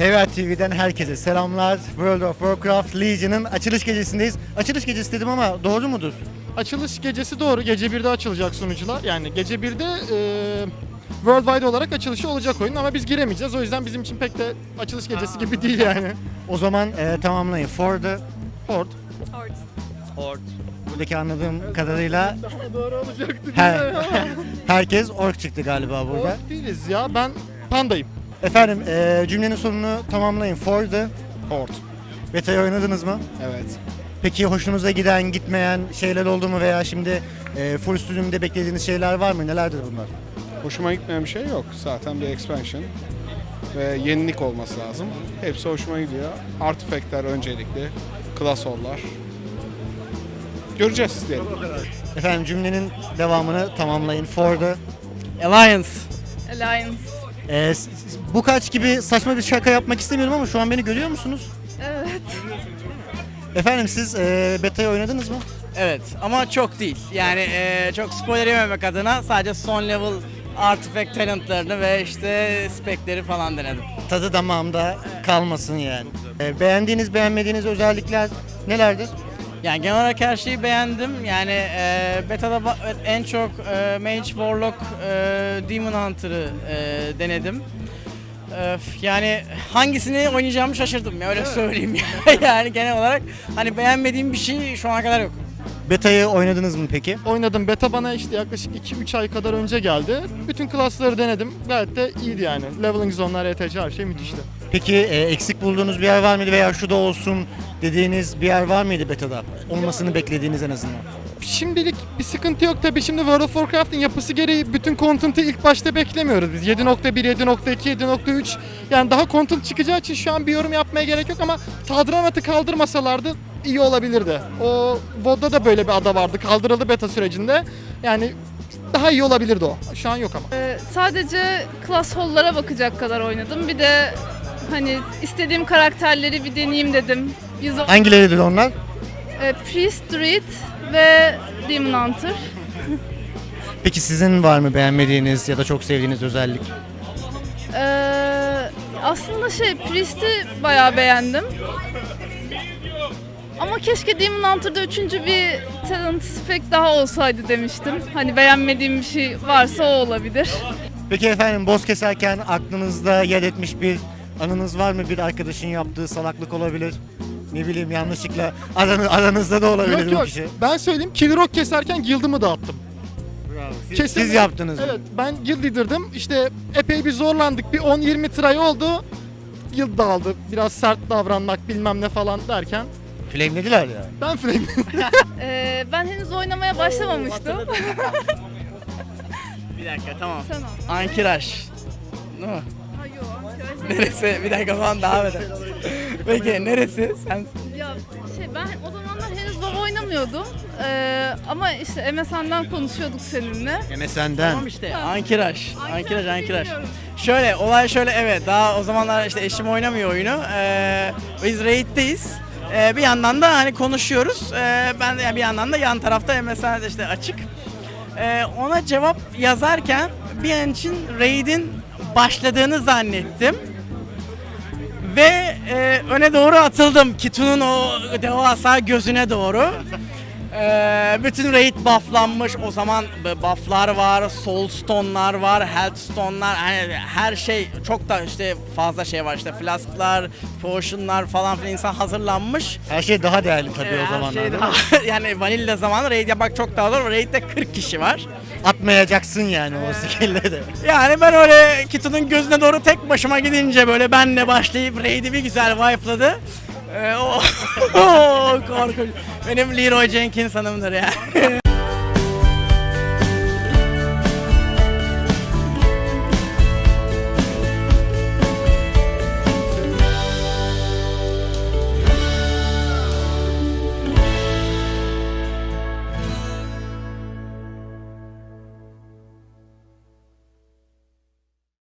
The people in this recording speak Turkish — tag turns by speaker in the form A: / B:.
A: HVA TV'den herkese selamlar. World of Warcraft Legion'ın açılış gecesindeyiz. Açılış gecesi dedim ama doğru mudur?
B: Açılış gecesi doğru. Gece 1'de açılacak sunucular. Yani gece 1'de worldwide olarak açılışı olacak oyun ama biz giremeyeceğiz. O yüzden bizim için pek de açılış gecesi gibi değil yani.
A: O zaman tamamlayın. For the
B: Horde.
A: buradaki anladığım kadarıyla
B: Daha doğru olacaktı.
A: herkes ork çıktı galiba burada.
B: Horde değiliz ya. Ben pandayım.
A: Efendim cümlenin sonunu tamamlayın. For the
C: Horde.
A: beta'yı oynadınız mı?
C: Evet.
A: Peki hoşunuza giden, gitmeyen şeyler oldu mu veya şimdi full sürümde beklediğiniz şeyler var mı? Nelerdir bunlar?
C: Hoşuma gitmeyen bir şey yok. Zaten bir expansion ve yenilik olması lazım. Hepsi hoşuma gidiyor. Artifact'ler öncelikli. Klasorlar. Göreceğiz diyelim.
A: Efendim cümlenin devamını tamamlayın. For the
D: Alliance.
A: bu kaç gibi saçma bir şaka yapmak istemiyorum ama şu an beni görüyor musunuz?
E: Evet.
A: Efendim siz beta'yı oynadınız mı?
D: Evet ama çok değil. Yani çok spoiler yememek adına sadece son level artifact talentlarını ve işte spekleri falan denedim.
A: Tadı damağımda kalmasın yani. Beğendiğiniz, beğenmediğiniz özellikler nelerdir?
D: Yani genel olarak her şeyi beğendim. Yani beta'da en çok Mage, Warlock, Demon Hunter'ı denedim. Yani hangisini oynayacağımı şaşırdım ya öyle söyleyeyim ya. Yani genel olarak hani beğenmediğim bir şey şu ana kadar yok.
A: Beta'yı oynadınız mı peki?
B: Oynadım. Beta bana işte yaklaşık 2-3 ay kadar önce geldi. Bütün klasları denedim. Gayet de iyiydi yani. Leveling zonlar, ETC her şey müthişti.
A: Peki eksik bulduğunuz bir yer var mıydı veya şu da olsun dediğiniz bir yer var mıydı beta'da? Olmasını beklediğiniz en azından.
B: Şimdilik bir sıkıntı yok tabii. Şimdi World of Warcraft'ın yapısı gereği bütün content'ı ilk başta beklemiyoruz biz. 7.1, 7.2, 7.3 yani daha content çıkacağı için şu an bir yorum yapmaya gerek yok ama Tadranat'ı kaldırmasalardı iyi olabilirdi. O VOD'da da böyle bir ada vardı. Kaldırıldı beta sürecinde. Yani daha iyi olabilirdi o. Şu an yok ama.
E: Sadece class hall'lara bakacak kadar oynadım. Bir de hani istediğim karakterleri bir deneyeyim dedim.
A: Hangileridir onlar?
E: Priest, Druid ve Demon Hunter.
A: Peki sizin var mı beğenmediğiniz ya da çok sevdiğiniz özellik?
E: Aslında Priest'i bayağı beğendim. Ama keşke Demon Hunter'da üçüncü bir talent spec daha olsaydı demiştim. Hani beğenmediğim bir şey varsa o olabilir.
A: Peki efendim boss keserken aklınızda yer etmiş bir anınız var mı? Bir arkadaşın yaptığı salaklık olabilir. Ne bileyim yanlışlıkla aranızda da olabilir
B: Yok
A: bu
B: yok.
A: kişi.
B: Ben söyleyeyim. Kill Rock keserken guild'ımı dağıttım.
A: Siz yaptınız mı?
B: Evet, ben guild leader'dım. İşte epey bir zorlandık. Bir 10-20 try oldu. Guild dağıldı. Biraz sert davranmak bilmem ne falan derken.
A: Flamelediler ya.
B: Ben flame.
E: Ben henüz oynamaya başlamamıştım.
D: Bir dakika tamam.
E: Sen al.
D: Ankiraj. Değil mi?
E: Ha, yok, arkadaşlar.
D: Neresi? Bir dakika falan devam edelim. Peki neresi? Sen
E: Ya ben o zamanlar henüz WoW oynamıyordum. Ama işte MSN'den konuşuyorduk seninle.
A: MSN'den.
D: tamam işte Ankiraj. Ankiraj.
E: Biliyorum.
D: Şöyle olay şöyle evet daha o zamanlar işte eşim oynamıyor oyunu. Biz raid'deyiz. Bir yandan da hani konuşuyoruz. Ben de bir yandan da yan tarafta MSN işte açık. Ona cevap yazarken bir an için raid'in başladığını zannettim. Ve öne doğru atıldım Kitu'nun o devasa gözüne doğru. Bütün raid bufflanmış. O zaman bufflar var, soulstone'lar var, healthstone'lar. Yani her şey çok da işte fazla şey var işte flask'lar, potion'lar falan filan insan hazırlanmış.
A: Her şey daha değerli tabii o
D: Her
A: zamanlar.
D: şey
A: değil mi?
D: daha- yani vanilla zamanı raid yapmak çok daha zor. Raid'de 40 kişi var.
A: Atmayacaksın yani o skill'leri.
D: Yani ben öyle Kitu'nun gözüne doğru tek başıma gidince böyle benle başlayıp raid'i bir güzel wipe'ladı. O korkunç. Benim Leroy Jenkins hanımdır yani.